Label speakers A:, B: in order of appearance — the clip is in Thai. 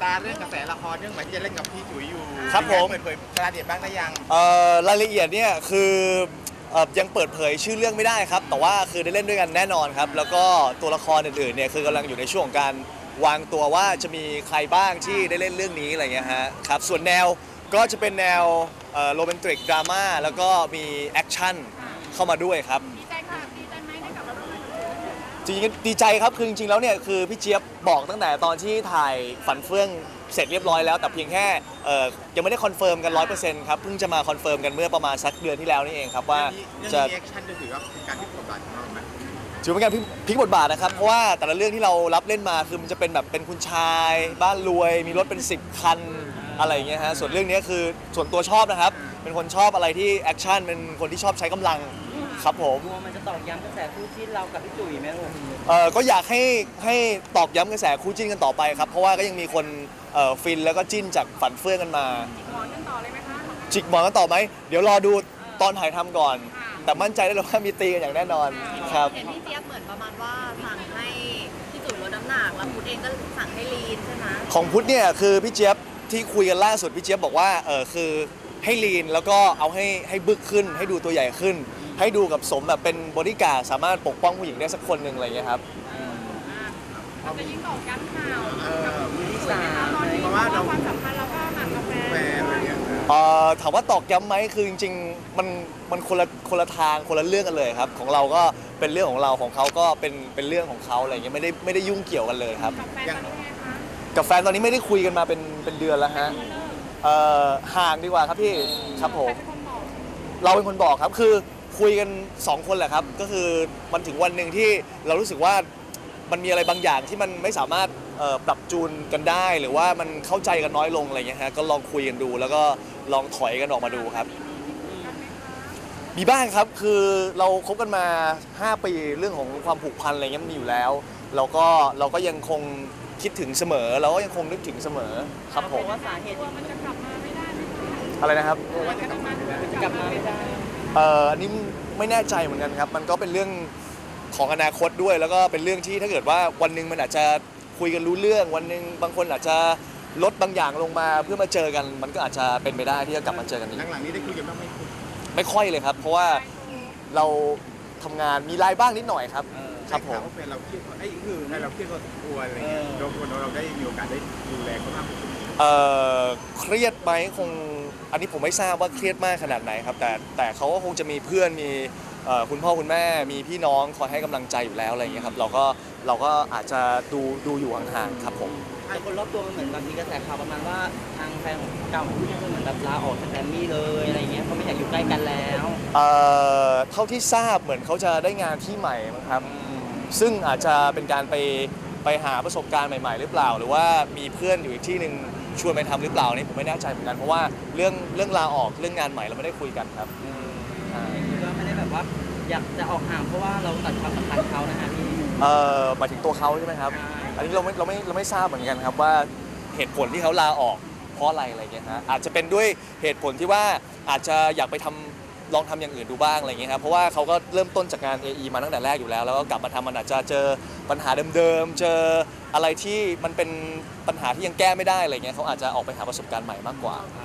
A: ตาเรื่องกระแสละครเรื่องใหม่ที่จะเล่นกับพี่จุ๋ยอยู่
B: ครับผม
A: เปิดเผยรายละเอียดบ้างได้ยัง
B: รายละเอียดเนี่ยคือยังเปิดเผยชื่อเรื่องไม่ได้ครับแต่ว่าคือได้เล่นด้วยกันแน่นอนครับแล้วก็ตัวละครอื่นๆเนี่ยคือกำลังอยู่ในช่วงของการวางตัวว่าจะมีใครบ้างที่ได้เล่นเรื่องนี้อะไรเงี้ยฮะครับส่วนแนวก็จะเป็นแนวโรแมนติกดราม่าแล้วก็มีแอคชั่นเข้ามาด้วยครับ
C: ดีใจค่ะดีใจไหมได้กลับมาร่วมงานกับ
B: จริงๆดีใจครับคือจริงๆแล้วเนี่ยคือพี่เจี๊ยบบอกตั้งแต่ตอนที่ถ่ายฝันเฟื่องเสร็จเรียบร้อยแล้วแต่เพียงแค่ยังไม่ได้คอนเฟิร์มกัน 100%ครับเพิ่งจะมาคอนเฟิร์มกันเมื่อประมาณสักเดือนที่แล้วนี่เองครับว่าจะ
A: เรื่องนี้แอคชั่นจะถือว่าเป็นการพลิกบทบาทของเราไหม
B: ถือเป็นการพลิกบทบาทนะครับเพราะว่าแต่ละเรื่องที่เรารับเล่นมาคือมันจะเป็นแบบเป็นคุณชายบ้านรวยมีรถเป็น10คันอะไรอย่างเงี้ยฮะส่วนเรื่องนี้คือส่วนตัวชอบนะครับเป็นคนชอบอะไรที่แอคชั่นเป็นคนที่ชอบใช้กำลังครับผม
D: กลัวมันจะตอกย้ำกระแสคู่จิ้นเรากับพี่จุ๋ยไหมลูก
B: ก็อยากให้ตอกย้ำกระแสคู่จิ้นกันต่อไปครับเพราะว่าก็ยังมีคนฟินแล้วก็จิ้นจากฝันเฟื่องกันมา
C: หมอนกันต่อเลยไหมคะ
B: จิกหมอนกันต่อไหมเดี๋ยวรอดูตอนถ่ายทำก่อน แต่มั่นใจได้เลยว่ามีตีกันอย่างแน่นอนครับ
E: เห็นพี่เจี๊ยบเหมือนประมาณว่าสั่งให้พี่จุ๋ยลดน้ำหนักแล้วพุทธเองก็สั่งให้ลีนใช่ไหม
B: ของพุทธเนี่ยคือพี่เจี๊ยบที่คุยกันล่าสุดพี่เจี๊ยบบอกว่าคือให้ลีนแล้วก็เอาให้บึกขึ้นให้ดูตัวใหญ่ขึ้น ให้ดูกับสมแบบเป็นบอดี้การ์ดสามารถปกป้องผู้หญิงได้สักคนหนึ่งอะไรอย่างเงี้ยครับ
C: มันจะยิ่งตอกย้ำข่าว
D: มือที่สาม
C: ตอนนี้เพราะว่าความสัมพันธ์เราก็หมากกาแฟ
A: แฟนอะไรเงี้ย
B: ถามว่าตอกย้ำไหมคือจริงๆมันคนละทางคนละเรื่องกันเลยครับของเราก็เป็นเรื่องของเราของเขาก็เป็นเรื่องของเขาอะไรอย่างเงี้ยไม่ได้ยุ่งเกี่ยวกันเลยครับ
C: กับแฟนตอนนี้ไงคะ
B: กับแฟนตอนนี้ไม่ได้คุยกันมาเป็นเดือนแล้วฮะห่างดีกว่าครับพี่ครับผม
C: ใครเป็นคนบอก
B: เราเป็นคนบอกครับคือคุยกัน2คนแหละครับก็คือมันถึงวันหนึ่งที่เรารู้สึกว่ามันมีอะไรบางอย่างที่มันไม่สามารถปรับจูนกันได้ หรือว่ามันเข้าใจกันน้อยลงอะไรเงี้ยฮะก็ลองคุยกันดู แล้วก็ลองถอยกันออกมาดูครับ มีบ้างครับคือเราคบกันมา 5 ปีเรื่องของความผูกพันอะไรเงี้ยมันมีอยู่แล้วเราก็ยังคงคิดถึงเสมอเราก็ยังคงนึกถึงเสมอครับผม
D: ว่าสาเหตุ
C: กลัวมันจะกลับมาไม่ได้ไหมคะ
B: อะไรนะครับ
C: กลัวจะกลับมา
D: จะกลับมาไม่ได้
B: อันนี้ไม่แน่ใจเหมือนกันครับ มันก็เป็นเรื่องของอนาคตด้วย แล้วก็เป็นเรื่องที่ถ้าเกิดว่าวันหนึ่งมันอาจจะคุยกันรู้เรื่อง วันหนึ่งบางคนอาจจะลดบางอย่างลงมาเพื่อมาเจอกัน มันก็อาจจะเป็นไปได้ที่จะกลับมาเจอกันอีก
A: หลังๆนี้ได้คุยกันบ้างไหมคุณ
B: ไม่ค่อยเลยครับ เพราะว่าเราทำงานมีรายบ้างนิดหน่อยครับ ครับผม
A: ได้ข่าวว่าแฟนเราเครียดไอ้คือแฟนเราเครียดพอสมควรอะไรเงี้ยเราได้มีโอกาสได้ดูแลเขามากขึ้น
B: เครียดไหมคงอันนี้ผมไม่ทราบว่าเครียดมากขนาดไหนครับแต่เขาก็คงจะมีเพื่อนมีคุณพ่อคุณแม่มีพี่น้องคอยให้กำลังใจอยู่แล้วอะไรอย่างเงี้ยครับเราก็อาจจะดูอยู่ห่างๆครับผม
D: แต่คนรอบตัวมันเหมือนบางทีกระแสข่าวประมาณว่าทางแฟนของเก่าของพี่ก็เหมือนแบบลาออกจากแกรมมี่เลยอะไรเงี้ยเขาไม่อยากอยู่ใกล้กันแล้ว
B: เท่าที่ทราบเหมือนเขาจะได้งานที่ใหม่มั้งครับซึ่งอาจจะเป็นการไปหาประสบการณ์ใหม่ๆหรือเปล่า หรือว่ามีเพื่อนอยู่อีกที่หนึ่งชวนไปทำหรือเปล่านี่ผมไม่แน่ใจเหมือนกันเพราะว่าเรื่องลาออกเรื่องงานใหม่เราไม่ได้คุยกันครับใช่
D: คือก็ไม่ได้แบบว่าอยากจะออกห่างเพราะว่าเราตัดความสัมพันธ์เขานะฮะพี่
B: หมายถึงตัวเขาใช่ไหมครับ
D: ใช่
B: อันนี้เราไม่ทราบเหมือนกันครับว่าเหตุผลที่เขาลาออกเพราะอะไรเงี้ยฮะอาจจะเป็นด้วยเหตุผลที่ว่าอาจจะอยากไปลองทำอย่างอื่นดูบ้างอะไรเงี้ยครับเพราะว่าเขาก็เริ่มต้นจากงาน AE มาตั้งแต่แรกอยู่แล้วแล้วก็กลับมาทำมันอาจจะเจอปัญหาเดิมๆเจออะไรที่มันเป็นปัญหาที่ยังแก้ไม่ได้อะไรเงี้ยเขาอาจจะออกไปหาประสบการณ์ใหม่มากกว่า